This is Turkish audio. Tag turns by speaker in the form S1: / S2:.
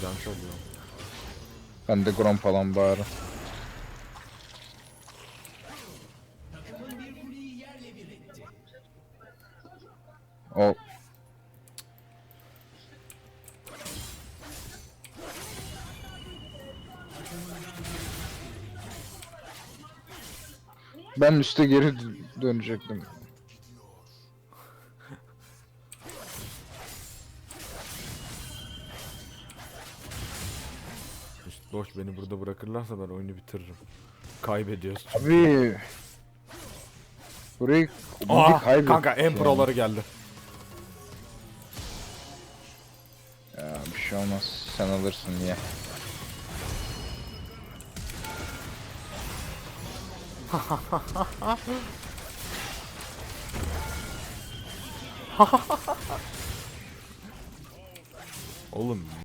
S1: can çalıyor.
S2: Ben de Grom falan bari. O ben üste geri dönecektim.
S1: İşte boş beni burada bırakırlarsa ben oyunu bitiririm. Kaybediyoruz.
S2: Abi burayı
S1: Aa
S2: kaybettik
S1: kanka en
S2: yani.
S1: proları geldi.
S2: Ya bir şey olmaz. Sen alırsın niye?
S1: Oğlum